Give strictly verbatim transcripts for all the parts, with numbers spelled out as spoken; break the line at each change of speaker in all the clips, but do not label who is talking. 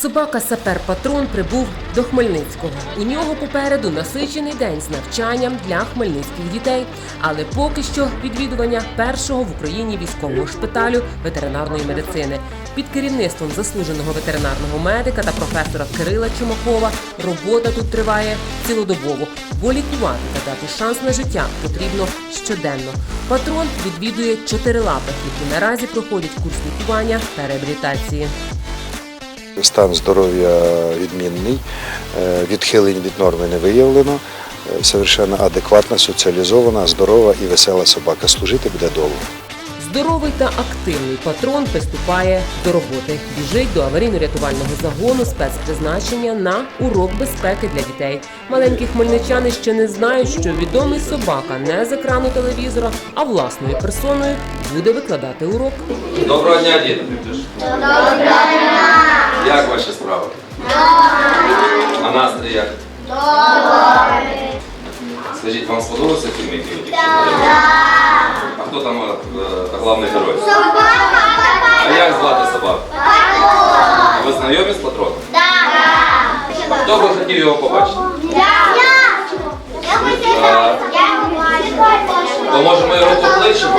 Собака-сапер-патрон прибув до Хмельницького. У нього попереду насичений день з навчанням для хмельницьких дітей. Але поки що відвідування першого в Україні військового шпиталю ветеринарної медицини. Під керівництвом заслуженого ветеринарного медика та професора Кирила Чумакова робота тут триває цілодобово, бо лікувати та дати шанс на життя потрібно щоденно. Патрон відвідує чотирилапих, які наразі проходять курс лікування та реабілітації.
Стан здоров'я відмінний, відхилень від норми не виявлено, совершенно адекватна, соціалізована, здорова і весела собака. Служити буде довго.
Здоровий та активний патрон приступає до роботи. Біжить до аварійно-рятувального загону спецпризначення на урок безпеки для дітей. Маленькі хмельничани ще не знають, що відомий собака не з екрану телевізора, а власною персоною буде викладати урок.
Доброго дня, діти!
Доброго дня!
Як ваші справи?
Добре!
А настрій як?
Добре!
Скажіть, вам сподобався фільм, який ви тільки що
Так!
дивилися? А хто там е, головний герой?
Собака!
А як звати собаку?
Патрон!
Ви знайомі з патроном?
Так!
Хто би хотів його побачити?
Я! Я хотів!
Так. То може ми його покличемо?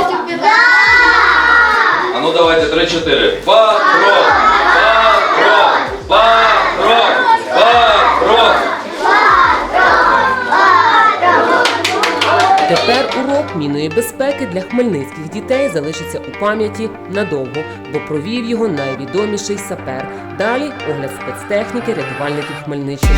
А ну давайте три-чотири. Патрон! Патрон! Патрон! Патрон!
Тепер урок мінної безпеки для хмельницьких дітей залишиться у пам'яті надовго, бо провів його найвідоміший сапер. Далі огляд спецтехніки рятувальників Хмельниччини.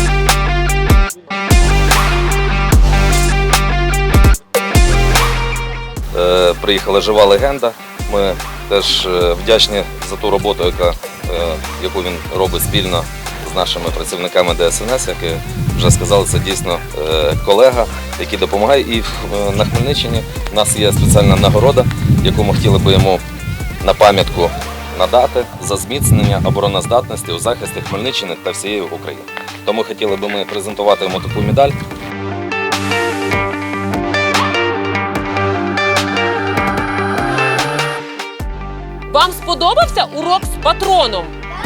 Е, приїхала жива легенда. Ми теж е, вдячні за ту роботу, яка, е, яку він робить спільно з нашими працівниками Де Ес Ен Ес, які вже сказали, це дійсно е, колега, який допомагає. І е, на Хмельниччині в нас є спеціальна нагорода, яку ми хотіли би йому на пам'ятку надати за зміцнення обороноздатності у захисті Хмельниччини та всієї України. Тому хотіли би ми презентувати йому таку медаль.
Вам сподобався урок з патроном?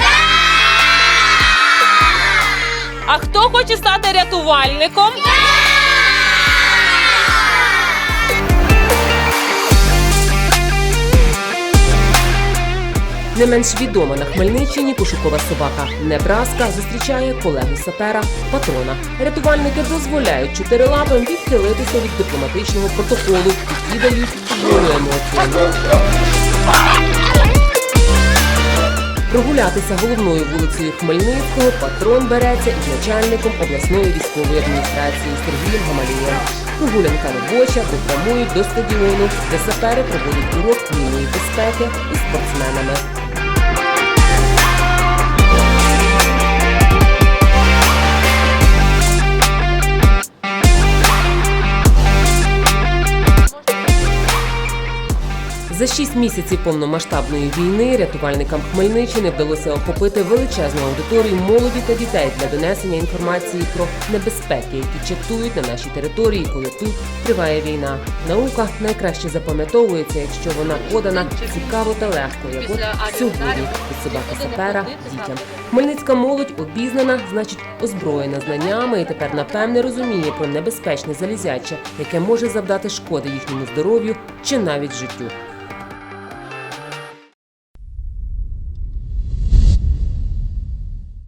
А хто хоче стати рятувальником? Не менш відома на Хмельниччині пошукова собака Небраска зустрічає колегу сапера Патрона. Рятувальники дозволяють чотирилапим відхилитися від дипломатичного протоколу, які дають волю емоціям. Прогулятися головною вулицею Хмельницького Патрон береться із начальником обласної військової адміністрації Сергієм Гамалієм. Прогулянка робоча, попрямують до стадіону, де сапери проводять урок мінної безпеки із спортсменами. За шість місяців повномасштабної війни рятувальникам Хмельниччини вдалося охопити величезну аудиторію молоді та дітей для донесення інформації про небезпеки, які чатують на нашій території, коли тут триває війна. Наука найкраще запам'ятовується, якщо вона подана цікаво та легко, як от сьогодні від собаки-сапера дітям. Хмельницька молодь обізнана, значить озброєна знаннями і тепер напевне розуміє про небезпечне залізяче, яке може завдати шкоди їхньому здоров'ю чи навіть життю.